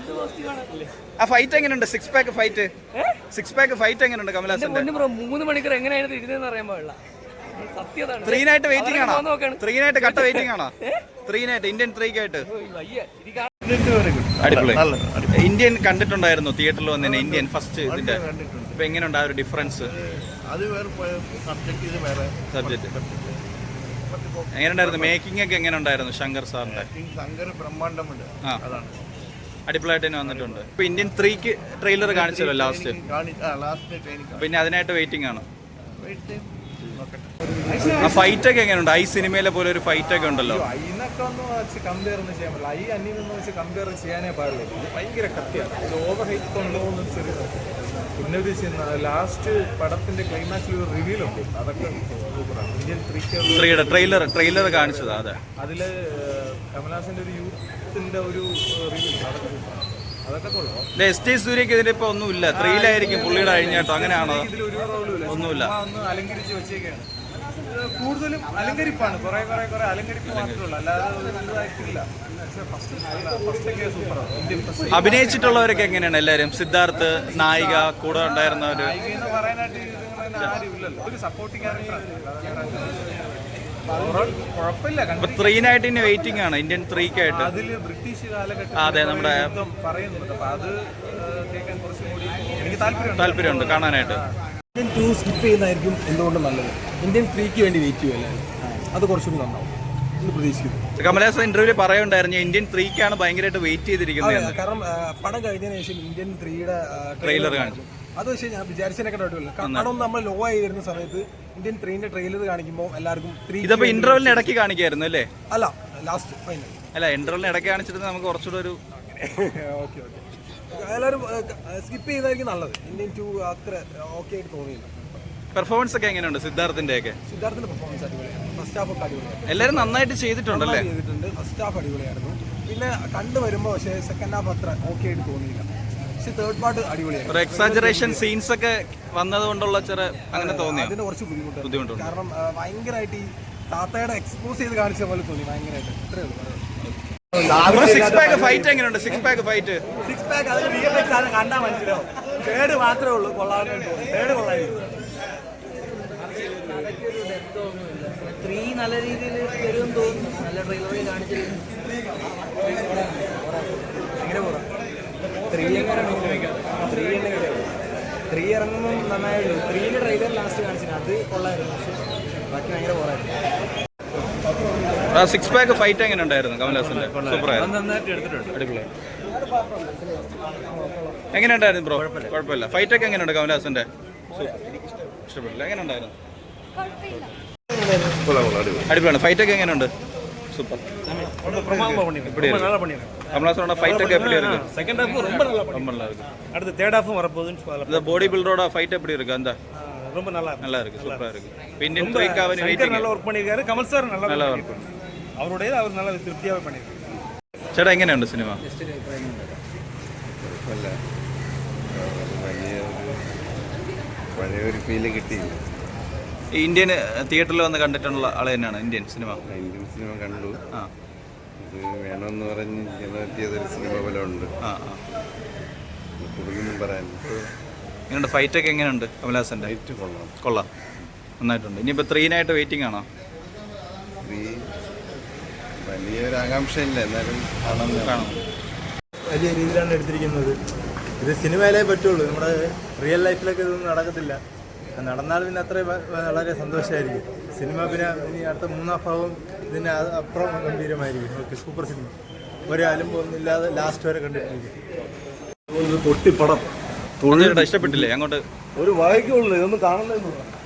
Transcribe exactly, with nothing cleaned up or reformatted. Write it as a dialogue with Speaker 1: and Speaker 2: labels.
Speaker 1: ആ ഫൈറ്റ് എങ്ങനെയുണ്ട്? Six pack fight six pack fight എങ്ങനെയുണ്ട് കമലഹാസന്റെ?
Speaker 2: മൂന്ന് മണിക്കൂർ എങ്ങനെയാണ് ഇരുന്നതെന്ന് അറിയാൻ പാടില്ല. സത്യതാണ്.
Speaker 1: ത്രീ നൈറ്റ് വെയിറ്റിംഗ് ആണോ? ത്രീ നൈറ്റ് കട്ട വെയിറ്റിംഗ് ആണോ? ത്രീ നൈറ്റ് ഇന്ത്യൻ ത്രീക്കായിട്ട് അടിപൊളി. ഇന്ത്യൻ കണ്ടിട്ടുണ്ടായിരുന്നു തിയേറ്ററിൽ വന്നതിന്, ഇന്ത്യൻ ഫസ്റ്റ് ഇതിന്റെ. ഇപ്പൊ എങ്ങനെയുണ്ട് ആ ഒരു ഡിഫറൻസ്? സബ്ജക്ട് എങ്ങനെയുണ്ടായിരുന്നു? മേക്കിംഗ് ഒക്കെ എങ്ങനെ ഉണ്ടായിരുന്നു ശങ്കർ സാറിന്റെ? ആ അടിപൊളിയായിട്ട് തന്നെ വന്നിട്ടുണ്ട്. ഇപ്പൊ ഇന്ത്യൻ ത്രീക്ക് ട്രെയിലർ കാണിച്ചല്ലോ ലാസ്റ്റ്, പിന്നെ അതിനായിട്ട് വെയിറ്റിംഗ് ആണ്. ആ ഫൈറ്റ് ഒക്കെ എങ്ങനെയുണ്ട്? ഐ സിനിമയിലെ പോലെ ഒരു ഫൈറ്റ് ഒക്കെ ഉണ്ടല്ലോ.
Speaker 3: അതിനൊക്കെ ഒന്ന് വെച്ച് കമ്പയർ ഒന്നും ചെയ്യാൻ പറ്റില്ല. ഐ അന്യൊന്നും വെച്ച് കമ്പയർ ചെയ്യാനേ പാടില്ല. ഭയങ്കര കത്തിയാണ്. ഇത് ഓവർ ഹൈറ്റ് ഉണ്ടോ എന്ന് ചെറിയ പിന്നെ ഒരു ലാസ്റ്റ് പടത്തിന്റെ ക്ലൈമാക്സിൽ ഒരു റിവീൽ ഉണ്ട്. അതൊക്കെ സൂപ്പറാണ്. ഇന്ത്യൻ
Speaker 1: ത്രീയുടെ ട്രെയിലർ ട്രെയിലർ കാണിച്ചത്. അതെ,
Speaker 3: അതില് കമലഹാസന്റെ ഒരു യൂത്തിന്റെ ഒരു റിവീൽ, അതൊക്കെ അതൊക്കെ കൊള്ളാം.
Speaker 1: എസ് ടി സൂര്യക്ക് ഇതിന് ഇപ്പൊ ഒന്നുമില്ല, ത്രീയിലായിരിക്കും പുള്ളിയുടെ അഴിഞ്ഞാട്ടോ, അങ്ങനെയാണോ? ഒന്നുമില്ല,
Speaker 3: ഒന്ന് അലങ്കരിച്ച് വെച്ചേക്കാണ്. കൂടുതലും അലങ്കരിപ്പാണ്, കുറെ കുറെ കുറെ അലങ്കരിപ്പ് മാത്രമേ ഉള്ളൂ, അല്ലാതെ ഇതായിട്ടില്ല.
Speaker 1: അഭിനയിച്ചിട്ടുള്ളവരൊക്കെ എങ്ങനെയാണ് എല്ലാരും? സിദ്ധാർത്ഥ്, നായിക, കൂടെ ഉണ്ടായിരുന്നവര്? ത്രീ നൈറ്റിന് വെയിറ്റിംഗ് ആണ്, ഇന്ത്യൻ ത്രീക്കായിട്ട്.
Speaker 3: ബ്രിട്ടീഷ് കാലഘട്ടം
Speaker 1: അതെ, നമ്മുടെ
Speaker 3: പറയുന്നുണ്ട്. അപ്പൊ അത് കേൾക്കാൻ കുറച്ചും കൂടി എനിക്ക്
Speaker 1: താല്പര്യമുണ്ട് കാണാനായിട്ട്.
Speaker 4: ഇന്ത്യൻ ടു സ്കിപ്പ് ചെയ്യുന്നതായിരിക്കും എന്തുകൊണ്ടും നല്ലത്. ഇന്ത്യൻ ത്രീക്ക് വേണ്ടി വെയിറ്റ് ചെയ്യുമല്ലേ, അത് കുറച്ചുകൂടി നന്നാവും എന്ന് പ്രതീക്ഷിക്കുന്നു.
Speaker 1: കമലഹാസൻ ഇന്റർവ്യൂവിൽ പറയുണ്ടായിരുന്നു ഇന്ത്യൻ ത്രീക്കാണ് ഭയങ്കരമായിട്ട് വെയിറ്റ് ചെയ്തിരിക്കുന്നത്.
Speaker 4: കാരണം പടം കഴിഞ്ഞതിന് ശേഷം ഇന്ത്യൻ ത്രീയുടെ
Speaker 1: ട്രെയിലർ കാണിച്ചു.
Speaker 4: അത് പക്ഷേ ഞാൻ വിചാരിച്ചതിനൊക്കെ ഡൗട്ടില്ല. പടം നമ്മൾ ലോ ആയി വരുന്ന സമയത്ത് ഇന്ത്യൻ ത്രീന്റെ ട്രെയിലർ കാണിക്കുമ്പോൾ എല്ലാവർക്കും ത്രീ
Speaker 1: ഇതിപ്പോ ഇന്റർവെല്ലിന് ഇടയ്ക്ക് കാണിക്കായിരുന്നു അല്ലേ?
Speaker 4: അല്ല, ലാസ്റ്റ് ഫൈനൽ
Speaker 1: അല്ല, ഇന്റർവെല്ലിന് ഇടയ്ക്ക് കാണിച്ചിട്ട് നമുക്ക് കുറച്ചുകൂടെ ഒരു
Speaker 4: ഓക്കെ ഓക്കെ എല്ലാവരും സ്കിപ്പ് ചെയ്യുന്നതായിരിക്കും നല്ലത്. ഇന്ത്യൻ ടു അത്ര ഓക്കെ ആയിട്ട് തോന്നിയില്ല.
Speaker 1: പെർഫോമൻസ് ഒക്കെ എങ്ങനെയുണ്ട് സിദ്ധാർത്ഥിന്റെ ഒക്കെ?
Speaker 4: സിദ്ധാർത്ഥിന്റെ പെർഫോമൻസ് അടിപൊളിയാണ്. ഫസ്റ്റ് ഹാഫ് ഒക്കെ അടിപൊളിയാണ്.
Speaker 1: എല്ലാവരും നന്നായിട്ട് ചെയ്തിട്ടുണ്ടല്ലേ?
Speaker 4: ചെയ്തിട്ടുണ്ട്. ഫസ്റ്റ് ഹാഫ് അടിപൊളിയായിരുന്നു. പിന്നെ കണ്ടു വരുമ്പോൾ പക്ഷേ സെക്കൻഡ് ഹാഫ് അത്ര ഓക്കെ ആയിട്ട് തോന്നിയില്ല. പക്ഷെ തേർഡ് പാർട്ട് അടിപൊളിയായിരുന്നു.
Speaker 1: ഒരു എക്സാജറേഷൻ സീൻസ് ഒക്കെ വന്നത് കൊണ്ടുള്ള ചെറിയ അങ്ങനെ തോന്നി.
Speaker 4: അതിന് കുറച്ച് ബുദ്ധിമുട്ട്
Speaker 1: ബുദ്ധിമുട്ടുണ്ട്.
Speaker 4: കാരണം ഭയങ്കരമായിട്ട് ഈ താത്തയുടെ എക്സ്പോസ് ചെയ്ത് കാണിച്ച പോലെ തോന്നി ഭയങ്കരമായിട്ട്. ഇത്രയേ ഉള്ളൂ.
Speaker 1: സിക്സ് പാക്ക് ഫൈറ്റ് എങ്ങനെയുണ്ട്? Six pack fight
Speaker 4: six pack അതിന് വി എഫ് എക്സ് ആണ് കണ്ടാൽ മനസ്സിലാവും. തേർഡ് മാത്രമേ ഉള്ളൂ കൊള്ളാവുന്ന. തേർഡ് കൊള്ളായിരുന്നു.
Speaker 2: ത്രീ നല്ല രീതിയിൽ വരുമെന്ന് തോന്നുന്നു. നല്ല ട്രെയിലറിൽ കാണിച്ചിരുന്നു.
Speaker 4: എങ്ങനെ പോകാം? ത്രീ എങ്ങനെ ത്രീ എന്നെ ത്രീ ഇറങ്ങുമ്പോൾ നന്നായുള്ളൂ. ത്രീൻ്റെ ട്രെയിലർ ലാസ്റ്റ് കാണിച്ചിരുന്നു, അത് കൊള്ളായിരുന്നു. പക്ഷെ ബാക്കി ഭയങ്കര പോരായിരുന്നു.
Speaker 1: സിക്സ് പാക്ക് ഫൈറ്റ് എങ്ങനെ ഉണ്ടായിരുന്നു കമലഹാസന്റെ? സൂപ്പറായിരുന്നു, അടിപൊളി. എങ്ങനെ ഉണ്ടായിരുന്നു ബ്രോ? കുഴപ്പമില്ല. ഫൈറ്റ് ഒക്കെ എങ്ങനെയുണ്ട് കമലഹാസന്റെ? ഇഷ്ടപ്പെട്ടില്ല. എങ്ങനെ ഉണ്ടായിരുന്നു? അടിപൊളിയാണ്. ഫൈറ്റ് ഒക്കെ എങ്ങനെയുണ്ട്? സൂപ്പർ. கமலஹாசனோட ஃபைட் ഒക്കെ எப்படி இருக்கு?
Speaker 3: செகண்ட் ஹாஃப் ரொம்ப நல்லா பண்ணி ரொம்ப நல்லா இருக்கு. அடுத்து தேர்ட் ஹாஃபும் வர போகுதுன்னு சொல்றாங்க.
Speaker 1: இந்த பாடி பில்டரோட ஃபைட் எப்படி இருக்கு? அந்த
Speaker 3: ரொம்ப நல்லா இருக்கு.
Speaker 1: நல்லா இருக்கு, சூப்பரா இருக்கு. இந்தியன் த்ரீக்காவனி வெயிட்டிங்.
Speaker 3: நல்லா வர்க் பண்ணிருக்காரு. கமல் சார் நல்லா நல்லா வர்க் பண்ணி. அவருடைய அவர் நல்லா திருப்தியாவே பண்ணிருக்காரு.
Speaker 1: ചേട്ടാ എങ്ങനെയുണ്ട് സിനിമ?
Speaker 5: അല്ല വലിയ പഴയ ഒരു ഫീല് കിട്ടിയില്ല.
Speaker 1: ഇന്ത്യൻ തിയേറ്ററിൽ വന്ന് കണ്ടിട്ടുള്ള ആള് തന്നെയാണ് ഇന്ത്യൻ സിനിമ?
Speaker 5: ഇന്ത്യൻ സിനിമ കണ്ടു.
Speaker 1: ആ,
Speaker 5: ഇത് വേണമെന്ന് പറഞ്ഞ് പറ്റിയതൊരു സിനിമ പോലെ ഉണ്ട്.
Speaker 1: ആ ആ
Speaker 5: കൂടുതലൊന്നും പറയാനില്ല.
Speaker 1: എങ്ങനെയുണ്ട്? ഫൈറ്റൊക്കെ എങ്ങനെയുണ്ട് കമലഹാസൻ്റെ?
Speaker 5: ഫൈറ്റ് കൊള്ളാം.
Speaker 1: കൊള്ളാം, നന്നായിട്ടുണ്ട്. ഇനിയിപ്പോൾ ത്രീനായിട്ട് വെയിറ്റിംഗ് ആണോ?
Speaker 5: ത്രീ വലിയൊരു ആകാംക്ഷയില്ല, എന്നാലും കാണാൻ കാണാം.
Speaker 4: വലിയ രീതിയിലാണ് എടുത്തിരിക്കുന്നത്. ഇത് സിനിമയിലേ പറ്റുള്ളൂ, നമ്മുടെ റിയൽ ലൈഫിലൊക്കെ ഇതൊന്നും നടക്കത്തില്ല. നടന്നാൽ പിന്നെ അത്ര വളരെ സന്തോഷമായിരിക്കും. സിനിമ പിന്നെ ഇനി അടുത്ത മൂന്നാം ഭാഗം ഇതിന് അപ്പുറം ഗംഭീരമായിരിക്കും. Okay, super cinema. ഒരു അലുമ്പൊന്നുമില്ലാതെ ലാസ്റ്റ് വരെ കണ്ടിട്ടിരിക്കും.
Speaker 3: പൊട്ടിപ്പടം
Speaker 1: ഇഷ്ടപ്പെട്ടില്ലേ? അങ്ങോട്ട്
Speaker 3: ഒരു വായിക്കുള്ളൂ, ഇതൊന്നും കാണുന്നില്ല.